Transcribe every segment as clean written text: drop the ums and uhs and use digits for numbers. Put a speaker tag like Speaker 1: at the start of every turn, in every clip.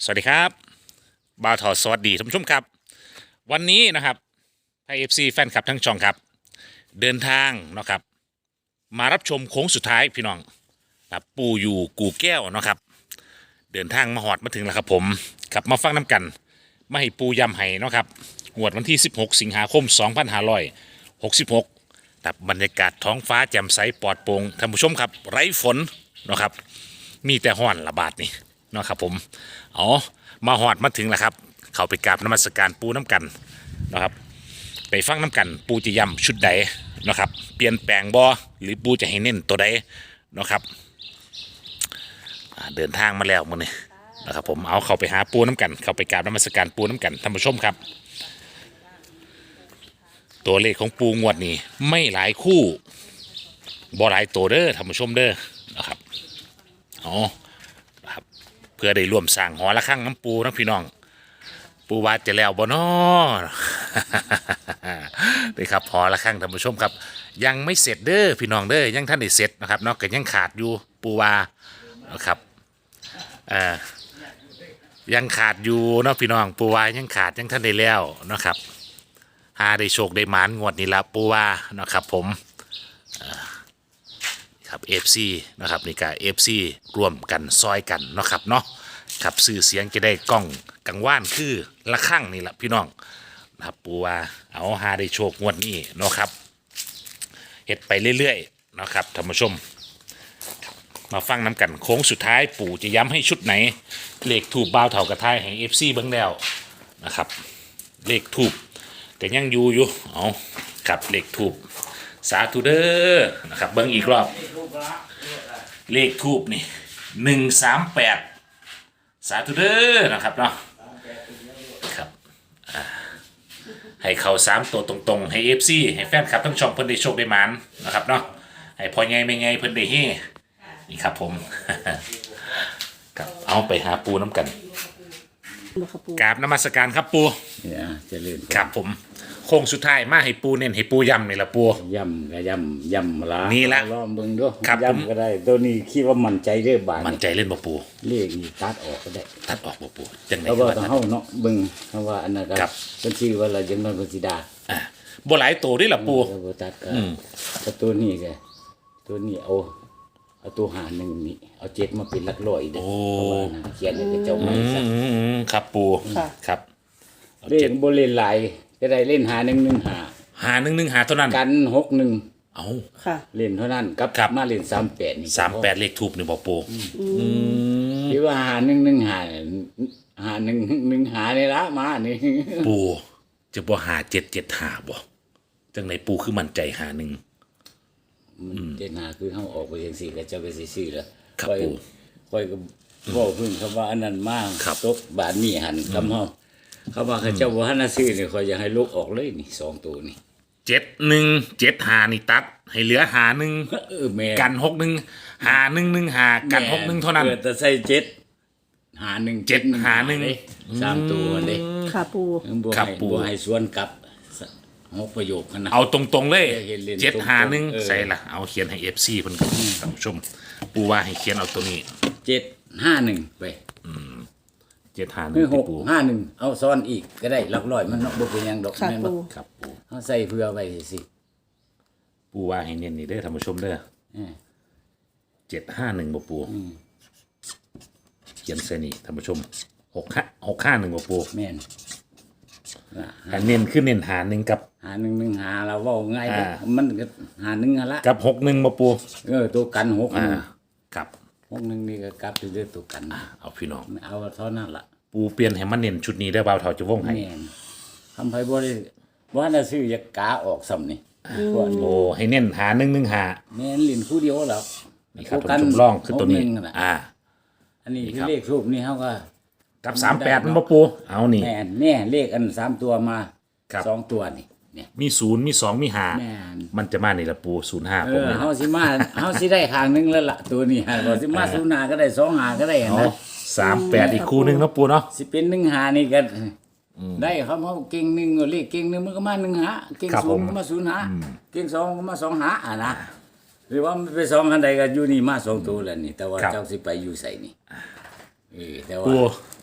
Speaker 1: สวัสดีครับบ่าวทอสวัสดีท่านผู้ชมครับวันนี้นะครับไทยเอฟซีแฟนคลับทั้งช่องครับเดินทางนะครับมารับชมโค้งสุดท้ายพี่น้องครับปูอยู่กู่แก้วนะครับเดินทางมาหอดมาถึงแล้วครับผมครับมาฟังน้ำกันมาให้ปูยำไห้นะครับงวดวันที่16สิงหาคม2566ครับบรรยากาศท้องฟ้าแจ่มใสปลอดโปร่งท่านผู้ชมครับไร้ฝนนะครับมีแต่ห้อนระบาดนี่นะครับผมอ๋อมาหอดมาถึงแล้วครับเข้าไปกราบนมัสการปูน้ำกันนะครับไปฟังน้ำกันปูจะย้ำชุดใดนะครับเปลี่ยนแปลงบ่หรือปูจะให้เน้นตัวใดนะครับเดินทางมาแล้วมื้อนี้นะครับผมเอาเข้าไปหาปูน้ำกันเข้าไปกราบนมัสการปูน้ำกันท่านผู้ชมครับตัวเลขของปูงวดนี้ไม่หลายคู่บ่หลายตัวเด้อท่านผู้ชมเด้อนะครับอ๋อครับเพื่อได้ร่วมสร้างหอระฆังน้ำปูนะพี่น้องปูว่าจะแล้วบ่น้อ นี่ครับหอระฆังท่านผู้ชมครับยังไม่เสร็จเด้อพี่น้องเด้อยังท่านได้เสร็จนะครับเนาะก็ยังขาดอยู่ปูว่านะครับยังขาดอยู่เนาะพี่น้องปูว่ายังขาดยังท่านได้แล้วนะครับหาได้โชคได้หมานงวดนี้ละปูว่านะครับผมครับ FC นะครับนี่ก็ FC ร่วมกันซอยกันเนาะครับเนาะครับสื่อเสียงจะได้กล้องกังว่านคือละข้างนี่แหละพี่น้องนะครับปูว่าเอาหาได้โชคงวดนี้เนาะครับเฮ็ดไปเรื่อยๆนะครับท่านผู้ชมมาฟังน้ำกันโค้งสุดท้ายปู่จะย้ำให้ชุดไหนเลขถูกบ่าวเถากระทายแห่ง FC เบิ้งแล้วนะครับเลขถูกแต่ยังอยู่เอากับเลขถูกสาธุเด้อนะครับเบิ้งอีกรอบเลขทูบนี่138สาธุเด้อนะครับเนาะครับให้เข้า3ตัวตรงๆให้ FC ให้แฟนคลับทั้งช่องเพิ่นได้โชคได้หมานนะครับเนาะให้พอไงไม่ไงเพิ่นได้เฮนี่ครับผม ครับเอาไปหาปูน้ำกันกราบนมัสการครับปู
Speaker 2: เนี่ยเจะเล่น
Speaker 1: ครับผมโค้งสุดท้ายมาให้ปูเน้นให้ปูย้ำนี่ละปู
Speaker 2: ย่ำก็ย่ำละ
Speaker 1: นี่ละ
Speaker 2: ลองเบิ่งด้วย
Speaker 1: ครับผม
Speaker 2: ย่ำก็ได้ตัวนี้คิดว่ามั่นใจเด้อบาด
Speaker 1: มั่นใจเล่นบ่ปู
Speaker 2: เลขนี่ตัดออกก็ได้
Speaker 1: ตัดออกบ่ปูจังไหน
Speaker 2: เพราะ
Speaker 1: ก็
Speaker 2: ว่า
Speaker 1: ว่า
Speaker 2: ต้อ
Speaker 1: ตั
Speaker 2: ง
Speaker 1: ด
Speaker 2: เฮาเนาะเบิ่งเพราะว่าอันนั้นก็
Speaker 1: ครับ
Speaker 2: เป็นชื่อว่าเราจังมันเป็นสิดา
Speaker 1: บ่หลายตัวนี่ละปู
Speaker 2: แล้วบ่ตัดก็แต่ตัวนี้ก็ตัวนี้เอาตัวหาหนึ่งนี่เอาเจ็ดมาเป็นหลักร้อยเด้อเพราะว่านะเขียนให้เจ้าไม้ซะ
Speaker 1: ครับปู
Speaker 3: ค่ะ
Speaker 1: ครับเอา
Speaker 2: เล่
Speaker 1: เจ็ด
Speaker 2: นบ่เล่นหลายก็ได้เล่นหา1 1
Speaker 1: หา1 1หาเท่านั้น
Speaker 2: 5กัน6 1
Speaker 1: เอา
Speaker 3: ค่ะ
Speaker 2: เล่นเท่านั้นกับ
Speaker 1: ครับ
Speaker 2: มาเล่น38นี่
Speaker 1: 38เลขทูบนี่บ่ปู
Speaker 2: ที่ว่าหา1 1 5หานี่ละมานี่
Speaker 1: ปูจะบ่หา7 7หาบ่จังไหนปูคือมั่นใจหา1
Speaker 2: มันเจนาคือเฮาออกไปจังซี่ก็เจ้าก็สิซื้อแล้ว
Speaker 1: ครับ
Speaker 2: ค่อย
Speaker 1: ปู่
Speaker 2: ค่อยก็เว้าพึ่งคำว่าอันนั้นมา
Speaker 1: ครับ
Speaker 2: ตกบาทนี้หันคำเฮาเขาว่าเขาเจ้าบ่ทันน่ะซื้อนี่ค่อยอยากให้ลูกออกเลยนี่2ตัวนี่
Speaker 1: 7 หานี่ตัดให้เหลือหา1
Speaker 2: แม่
Speaker 1: กัน61หา1 1หากัน61เท่านั้น
Speaker 2: แต่ใส่7หา1
Speaker 1: 7หา1
Speaker 2: เด้3ตัวเด้
Speaker 3: ค่ะปู
Speaker 2: บ่
Speaker 1: ครับ
Speaker 2: ให้
Speaker 1: ปู่
Speaker 2: บ่ให้สวนกลับ6ประโยคนะ
Speaker 1: เอาตรงๆเลย
Speaker 2: เห็นเล่น
Speaker 1: 7หา
Speaker 2: ตรงๆ
Speaker 1: 1ใส่ละเอาเขียนให้ FC เพิ่นก็ท่านผู้ชมปูว่าให้เขียนเอาตัวนี้
Speaker 2: 751ไป
Speaker 1: 7หา
Speaker 2: คือ
Speaker 1: 1ที่ปู
Speaker 2: 651เอาซ้อนอีกก็ได้หลักร้อยมันเนาะบ่เป็นหยังดอก
Speaker 3: ค่ะ
Speaker 2: แม่นบ่
Speaker 3: ปู
Speaker 1: ครับปู
Speaker 2: เฮาใส่เพื่อไว้สิ
Speaker 1: ปูว่าให้เน้นนี่เด้อท่านผู้ชมเด้อ
Speaker 2: เออ
Speaker 1: 751บ่ปูเขียนใส่นี่ท่านผู้ชม651บ่ปู
Speaker 2: แม่นน่ะ
Speaker 1: อันเน้นคือเน้นหา1กับ
Speaker 2: หา1 1หาเราเว้าง่ายเด้อ
Speaker 1: อ่า
Speaker 2: มันก็หา1หั่นละ
Speaker 1: กับ61บ่ปู
Speaker 2: ตัวกัน6
Speaker 1: กับ
Speaker 2: 1นี่ก็กลับอยู่ด้วยตัวกัน
Speaker 1: เอาพี่น้อง
Speaker 2: เอาเท่านั้นล่ะ
Speaker 1: ปูเปลี่ยนให้มันเน้นชุดนี้ได้อบ่าวเฒ่าจะวงให้
Speaker 2: แม่นทำไผบ่ได้ว่าน่ะซื้ออยากกาออกซ้ำนี่พวกนี้
Speaker 1: โอ้ให้เน้นหา1 1หา
Speaker 2: แม่นลิ้นคู่เดียวแล้ว
Speaker 1: นี่ครับท่านผู้ชมลองคือตัวนี้
Speaker 2: หกหงน่ะ อันนี้
Speaker 1: นี่
Speaker 2: คื
Speaker 1: ครั
Speaker 2: อบ เลขรูปนี่เฮาก็
Speaker 1: กับ38มันบ่ปูเอานี่
Speaker 2: แม่นแน่เลขอัน3ตัวมา
Speaker 1: ครับ
Speaker 2: 2ตัวนี่เนี่ย
Speaker 1: มี0มี2มี
Speaker 2: แม่
Speaker 1: 5
Speaker 2: น
Speaker 1: มันจะมานี่ละปู05ผมเนี่ย
Speaker 2: เฮาสิมาเฮาสิได้ข้างหนึงแล้วล่ะตัวนี้ฮะบ่สิมา0หาก็ได้2หาก็ได้
Speaker 1: เอา
Speaker 2: นะ
Speaker 1: 38อีกคู่หนึงเนาะปูเนาะ
Speaker 2: สิเป็น1หานี่ก็ได้ครับเฮาเก่ง1ก็เลขเก่ง1มันก็มา1หาเก่ง
Speaker 1: ครับผม
Speaker 2: 0ก็มา0หาเก่ง2ก็มา2หาอ่ะนะหรือว่ามันไป2อันใดก็อยู่นี่มา2ตัวแล้วนี่แต่ว่า
Speaker 1: ครับ
Speaker 2: เจ้าสิไปอยู่ไสนี่แต่ว่า
Speaker 1: ปู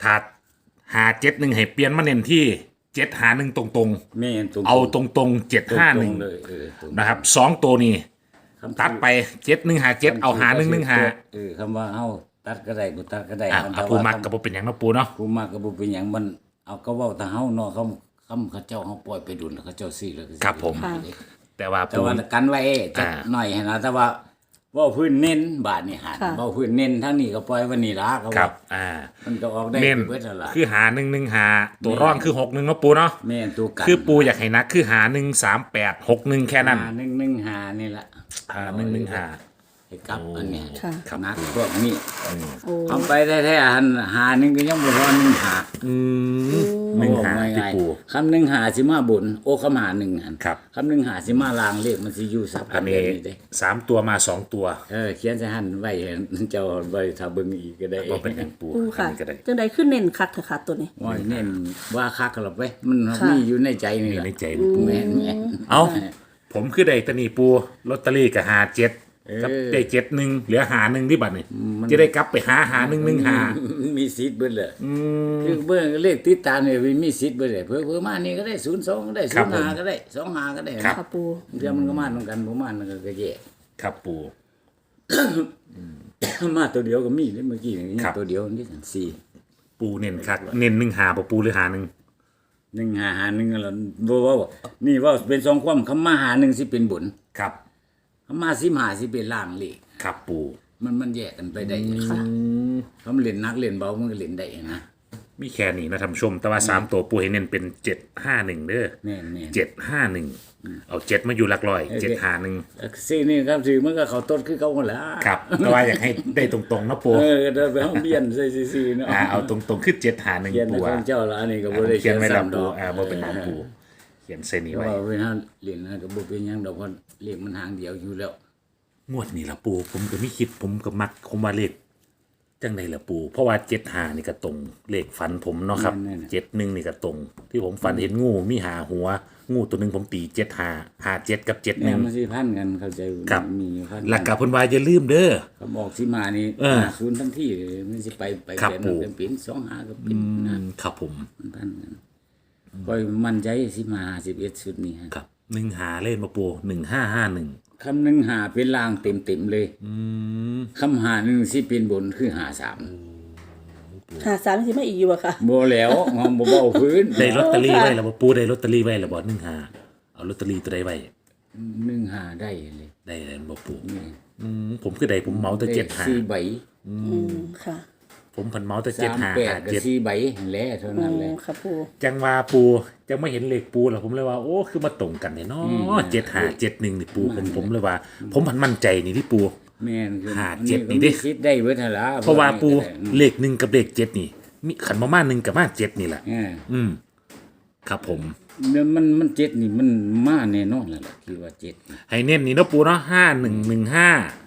Speaker 1: ถ้าหาเจ็ดหนึ่งให้เปลี่ยนมาเน้นที่เจ็ดหาหนึ่งตรง
Speaker 2: แม่นตรง
Speaker 1: ๆ เอาตรงๆเจ็ดห้าหนึ่ง
Speaker 2: เลยตรง
Speaker 1: นะครับสองตัวนี้
Speaker 2: คำ
Speaker 1: ตัดไปเจ็ดหนึ่งหาเจ็ดเอาหาหนึ่งหนึ่งหา
Speaker 2: คำว่าเฮาตัดก็ได้บ่ตัดก็ได้
Speaker 1: อ่ะปูมักกับปูเป็นอย่างเนาะปูเนาะ
Speaker 2: ผู้มากก็บ่เป็นหยังมันเอาก็เว้าแต่เฮาเนาะเขาเจ้าเฮาปล่อยไปดุลแล้วเขาเจ้าซื้อแล้วก็ซื้อ
Speaker 1: ครับผม
Speaker 3: ค่ะ
Speaker 1: แต่ว่า
Speaker 2: แต่
Speaker 1: ปู
Speaker 2: ว่ากันไว้จักหน่อยให้นะแต่ว่าเว้าพื้นเน้นบาทนี่หา
Speaker 3: ค่ะ
Speaker 2: เว้าพื้นเน้นทั้งนี้ก็ปล่อยไว้นี่ล่ะก็
Speaker 1: ครั
Speaker 2: ว่า
Speaker 1: บ
Speaker 2: มันก็ออกได้
Speaker 1: เน้น
Speaker 2: เบิดนั่นล่ะ
Speaker 1: คือหาหนึ่งหนึ่งหาตัวร่องคือหกหนึ่งเนาะปูเนาะ
Speaker 2: แม่นตัวกัน
Speaker 1: คือปูอยากให้นักคือหาหนึ่งสามแปดหกหนึ่งแค่นั้น
Speaker 2: 115นี่ล่ะ
Speaker 1: หาหนึ่งหนึ่งหา
Speaker 2: ให้กลับอันเนี้ย
Speaker 3: ค่ะ
Speaker 1: ครับ
Speaker 2: นักพวกนี้
Speaker 3: โอ้
Speaker 2: เอาไปแท้ๆหันหาหนึงก็ยังบ่พอ1หา
Speaker 1: หนึ่งหาที่
Speaker 2: ง่าย
Speaker 1: ปู
Speaker 2: ๆคำหนึ่งหาสิมาบนโอ้คำหาหนึ่งหัน
Speaker 1: ครับ
Speaker 2: คำหนึ่งหาสิมาลางเลขมันสิอยู่ซับ
Speaker 1: อั
Speaker 2: กัน น
Speaker 1: นี้
Speaker 2: แบบนี้เด้
Speaker 1: สามตัวมาสองตัว
Speaker 2: เขียนใส่หันไว้ให้เจ้าไว้ถ้าเบิ่งอีกก็ได้
Speaker 1: ก็เป็นอย่างปู
Speaker 3: ปูค่ะ
Speaker 1: อันนี้ก็ได้
Speaker 3: จังใดขึ้นเน้นคักเถอะค่ะตัวนี้
Speaker 2: ว่าเน้นว่าคักหรอกเว้ยมัน
Speaker 3: ค่ะ
Speaker 2: มีอยู่ในใจนี่
Speaker 1: นี่
Speaker 2: แหละ
Speaker 1: ในใจนี่ปู
Speaker 2: แม่นแม่น
Speaker 1: เอาผมคือได้ตะนีปูลอตเตอรี่กับหาเจ็ดกับ
Speaker 2: เออ
Speaker 1: ได้เจ็ดหนึ่งเหลือหาหนึ่งที่บัตรนี่จะได้กลับไปหาหนึ่งหนึ่งหา
Speaker 2: มีสิทธิ์เบิดเลยคือเบิ่งเลขติดตามเนี่ยมีสิทธิ์เบิดเลยเพิ่มมานี่ก็ได้02ก็ได้05ก็ได้25ก็ได้
Speaker 3: ค่ะปู
Speaker 2: เดี๋ยวมันก็มาเหมือนกันบ่มามันก็แย่
Speaker 1: ครับปู
Speaker 2: มาตัวเดียวก็มีเมื่อกี้นี่
Speaker 1: ครับ
Speaker 2: ตัวเดียวนี่4
Speaker 1: ปูเน้นคักเน้นหนึ่งหาปูหรือหาหนึ่ง
Speaker 2: 1 แล้วบ่ว่านี่ว่าเป็นสองความคำมาหาหนึ่งสิเป็นบุญ
Speaker 1: ครับ
Speaker 2: คำมา15สิเป็นล่างเลข
Speaker 1: ครับปู
Speaker 2: มันแยกกันไปได้ค่ะคำเล่นนักเล่นเบามันก็เล่นได้นะ
Speaker 1: มีแค่นี้นะท่านผู้ชม แต่ว่าสามตัวปูให้เน้นเป็นเจ็ดห้าหนึ่งเด้อ
Speaker 2: แน่น
Speaker 1: เจ็ดห้าหนึ่งเอาเจ็ดมาอยู่หลักร้อยเจ็ดหาหนึ่ง
Speaker 2: ซีนี่ครับซีมันก็เขาต้นคือเขาหมดแล้ว
Speaker 1: ครับแต่ว่าอยากให้ได้ตรงๆนะปู
Speaker 2: เดินไปห้องเบียนใส่ซีเนาะ
Speaker 1: เอาตรงๆคือเจ็ดหาหนึ่ง
Speaker 2: เขียนใน
Speaker 1: ปู
Speaker 2: ข
Speaker 1: อ่ะ
Speaker 2: องเจ้าละอันนี้ก็บ่ได้
Speaker 1: เขียนไว้แล้ว
Speaker 2: ซ้ำด
Speaker 1: ปู
Speaker 2: อก
Speaker 1: บ่เป็นของปูเขียนเส้นนี้
Speaker 2: เพราะ
Speaker 1: ไว้
Speaker 2: ว่าเวลาเรียนนะก็บ่เป็นหยังดอกเพราะเลขมันหางเดียวอยู่แล้ว
Speaker 1: งวดนี้ละปูผมก็ไม่คิดผมก็มักคมว่าเลขจังไดละปู เพราะว่าเจ็ดหานี่ก็ตรงเลขฝันผมเนาะครับเจ็ดหนึ่งนี่ก็ตรง ที่ผมฝันเห็นงูมีหาหัว งูตัวหนึ่งผมตีเจ็ดหาเจ็ดกับเจ็ดห
Speaker 2: แม่
Speaker 1: นึ่ง
Speaker 2: มันสิพันกันเข้าใจ
Speaker 1: ครับ
Speaker 2: มีพัน
Speaker 1: หลักกับเพิ่นว่าอย่าลืมเด้อ
Speaker 2: เขาบอกสิมานี่ ศูนย์ทั้งที่เลยมันสิไป
Speaker 1: ครับ
Speaker 2: เขียน
Speaker 1: ปู่
Speaker 2: เป็นเป็น2 5ก็เป็นนะครับ
Speaker 1: ผม
Speaker 2: มันพันกันค่อยมั่นใจสิมา51ชุดนี้ฮะ
Speaker 1: ครับหนึ่งหาเล่นมาปู1551
Speaker 2: คำหนึ่งหาเป็นล่างเต็มเลยคำหาหนึ่งสิเป็นบนคือหา3
Speaker 3: หาสามสิมาอีกอยู่อะค่ะ
Speaker 2: บ่แล้วงอมบ่เบาพื้น
Speaker 1: ได้ลอตเตอรี่ไว้แล้วบ่ปูได้ลอตเตอรี่ไว้แล้วบ่15เอาลอตเตอรี่ตัวใดไว้
Speaker 2: 1หาได้เลย
Speaker 1: ได้แล้วบ่ปู
Speaker 2: นี่
Speaker 1: ผมคือได้ผมเมาแต่
Speaker 2: เลขสี่ใบ
Speaker 3: ค่ะ
Speaker 1: ผมพันเมาแต่
Speaker 2: 38กับ4ใบแหละเท่านั้นแหละ
Speaker 3: ค่ะปู
Speaker 1: จังว่าปูจังไม่เห็นเลขปูแล้วผมเลยว่าโอ้คือมาตรงกันเนี่ยเนาะ7571นี่ปูผมเลยว่า ผมพันมั่นใจนี่ที่ปู
Speaker 2: แม่นคือ
Speaker 1: หาเจ็ดนี่ดิ
Speaker 2: คิดได้เบิดหั่นล่ะ
Speaker 1: เพราะว่าปูเลข1กับเลข7นี่มีขันมาม่า1กับมา7นี่แหละ
Speaker 2: เออ
Speaker 1: ครับผม
Speaker 2: เนี่ยมันเจ็ดนี่มันมาแน่นอนแล้วล่ะคิดว่า7นี่
Speaker 1: ให้เน้นนี่เนาะปูเนาะ5115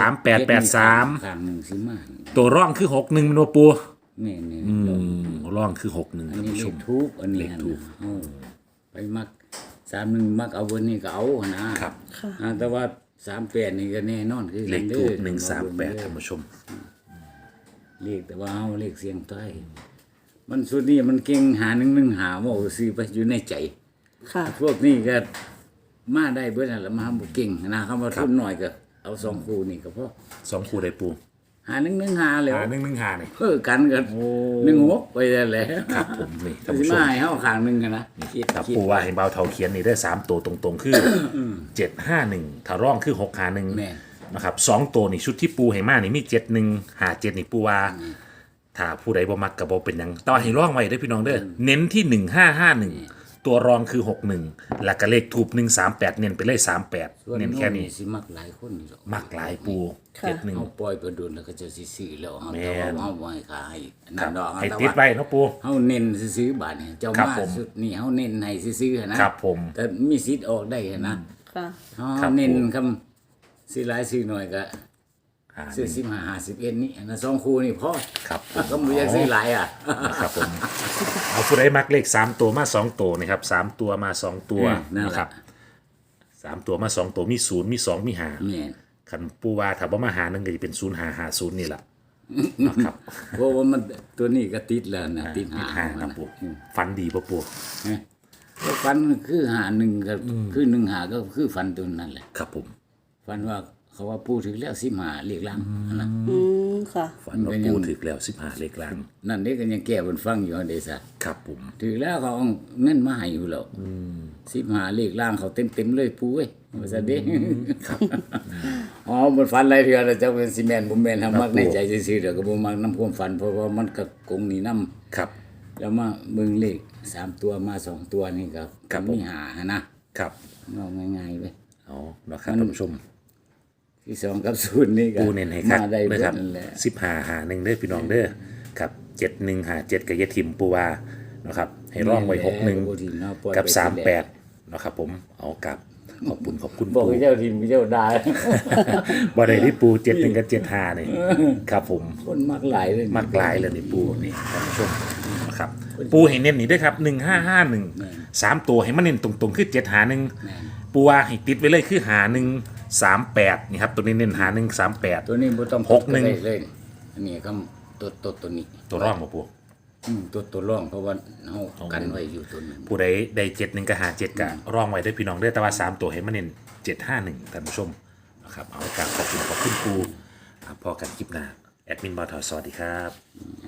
Speaker 1: 3883
Speaker 2: ข้างหนึงสิมา
Speaker 1: ตัวร่องคือ61มันบ่ปู
Speaker 2: แม่น
Speaker 1: ร่องคือ61
Speaker 2: อัน
Speaker 1: ท่าน
Speaker 2: นี้
Speaker 1: ผู้
Speaker 2: เล
Speaker 1: ช
Speaker 2: ข
Speaker 1: ม
Speaker 2: ทูปอันนี้
Speaker 1: เลขทูป
Speaker 2: ไปมัก31มักเอาเบนนี้ก็เอานะครับ
Speaker 3: ค่ะ
Speaker 2: แต่ว่า38นี่ก็แน่นอนคือ
Speaker 1: เลข
Speaker 2: กัน
Speaker 1: ทู
Speaker 2: ด้
Speaker 1: บ
Speaker 2: อ
Speaker 1: 138ท่านผู้ชม
Speaker 2: เลขแต่ว่าเฮาเลขเสียงใต้มันสุดนี้มันเก่งหา1 1หาว่าซื้อไปอยู่ในใจ
Speaker 3: ค่ะ
Speaker 2: พวกนี้ก็มาได้เบิดนั่นแหละมาบ่เก่งนะคำว่าทุนน้อยก็เอา2คู่นี่ก็พอ
Speaker 1: 2คู่ได้ปู
Speaker 2: หา1 1หาแล้ว
Speaker 1: 115นี่
Speaker 2: เพิ่อกันก็1 6ไปแล้วแหละ
Speaker 1: ครับผมนี่ท่าน
Speaker 2: สิ
Speaker 1: ผู้ช
Speaker 2: มาม ให้เฮาข้างหนึงกันนะคิด
Speaker 1: ครับ
Speaker 2: คิด
Speaker 1: ปูว่าให้เบาเท่าเขียนนี่ได้3ตัวตรงๆคือ751ถ้าร่องคือ651
Speaker 2: แม่น
Speaker 1: นะครับ2ตัวนี่ชุดที่ปูให้มานี่มี71 57นี่ปูว่าถ้าผู้ใดบ่มักก็บ่เป็นหยังแต่ว่าให้ร่องไว้เด้อพี่น้องเด้อเน้นที่1551ตัวรองคือ61แล้วก็เลขทูบ138เน้นไปเลย38เน้นแค่นี้
Speaker 2: สิมักหลายคนอยู่ดอก
Speaker 1: มักหลายปู
Speaker 3: ค่ะ
Speaker 1: 71
Speaker 2: เฮาปล่อยไปโดนแล้วก็จะสิซื้อแล้วเฮา
Speaker 1: แม่
Speaker 2: แต่
Speaker 1: น
Speaker 2: ว่าเฮาบ่ให้ขาย
Speaker 1: ครั
Speaker 2: นั่
Speaker 1: บ
Speaker 2: นดอก
Speaker 1: ให้
Speaker 2: แต่
Speaker 1: ติด
Speaker 2: ว่า
Speaker 1: ไว้เนาะปู
Speaker 2: เฮาเน้นซื้อๆบาดนี่เจ้า
Speaker 1: ครับ
Speaker 2: มา
Speaker 1: ผม
Speaker 2: สุดนี่เฮาเน้นให้ซื้อๆนะครับ
Speaker 1: ผม
Speaker 2: แต่มีสิทธิ์ออกได้นะ
Speaker 3: ค่ะ
Speaker 2: เฮา
Speaker 1: ครับ
Speaker 2: เน้น
Speaker 1: ผม
Speaker 2: คำซื้อหลายซื้อน้อยก็ซื้อ15 51นี่อันนั้น2คู่นี่พอ
Speaker 1: ครับผม
Speaker 2: ก็บ่อยากซื้อหลายอ่ะ
Speaker 1: นะครับผมเอาผู้ใดมักเลข3ตัวมา2ตัวนะครับ3ตัวมา2ตัว
Speaker 2: นั่นแหละ
Speaker 1: นะครับ3ตัวมา2ตัวมี0มี2มี5
Speaker 2: แม่น
Speaker 1: คันปูว่าถ้าบ่มาหานึงก็จะเป็น0550นี่แหละนะครับ
Speaker 2: เพราะว่ามันตัวนี้ก็ติดแล้วนะติดหา
Speaker 1: หาครับปูฟันดีปะปู
Speaker 2: ก็ฟันคือหาหนึ่งก็คือหนึ่งหาก็คือฟันตัวนั้นแหละ
Speaker 1: ครับผม
Speaker 2: ฟันว่าเขาว่าพูดถึงแล้ว15เลขล่างนะ
Speaker 3: ค่ะ
Speaker 1: ฟันว่าปูถึกแล้ว15เลขล่าง
Speaker 2: นั่นนี่ก็ยังแก้บนฟังอยู่เดซ่า
Speaker 1: ครับผม
Speaker 2: ถึงแล้วเขาเอาเงินมาให้อยู่แล้ว15เลขล่างเขาเต็มเลยปูเอ้ยว่าซะเด้อ๋อบนฟันหลายเทื่อแล้วเจ้าเป็นซีเมนต์บ่แม่นทำมักในใจซื่อๆเดี๋ยวก็บ่มักนํความฝันเพราะว่ามันก็กงนี่นํ
Speaker 1: ครับ
Speaker 2: แล้วมาเบิ่งเลข3ตัวมา2ตัวนี่ก็มีหานะครับเอาง่ายๆเว้ย
Speaker 1: เอานะครับท่านผู้ชม
Speaker 2: ที่2กับ0นี่ก็
Speaker 1: ปูเน้นให้ครับ
Speaker 2: มาได้
Speaker 1: นะ
Speaker 2: เบิ
Speaker 1: ค
Speaker 2: ด
Speaker 1: รับ
Speaker 2: นั่นแหละ
Speaker 1: 15หา1เด้อพี่น้องเด้อครับ71หา7กับยะทิมปูว่านะครับให้ร่องไว้61กับ38นะครับผมเอากับขอบคุณ
Speaker 2: บอก
Speaker 1: ปู
Speaker 2: ให้เจ้าทีมเจ้าได้
Speaker 1: บ่ได้ที่ปู71กับ75นี่ครับผม
Speaker 2: คนมักหลายเลย
Speaker 1: มักหลายเลยนี่ปูนี่ท่านผู้ชมนะครับปูให้เน้นนี่ด้วยครับ1551 3ตัวให้มันเน้นตรงๆคือ751ปูว่าให้ติดไว้เลยคือ5138นี่ครับตัวนี้เน้น5138
Speaker 2: ตัวนี้บ่ต้อง
Speaker 1: 61
Speaker 2: เลยอันนี้ก็ตัวนี้
Speaker 1: ตัวร่องบ่ปู
Speaker 2: ตัวร่องเพราะว่าเฮากันไว้อยู่ตัวนึง
Speaker 1: ผู้ใดได้71กับ57กับร่องไว้ด้วยพี่น้องเด้อแต่ว่า3ตัวให้มันเน้น751ท่านผู้ชมนะครับเอากราบขอบคุณปูครับพอกันคลิปหน้าแอดมินบอทสวัสดีครับ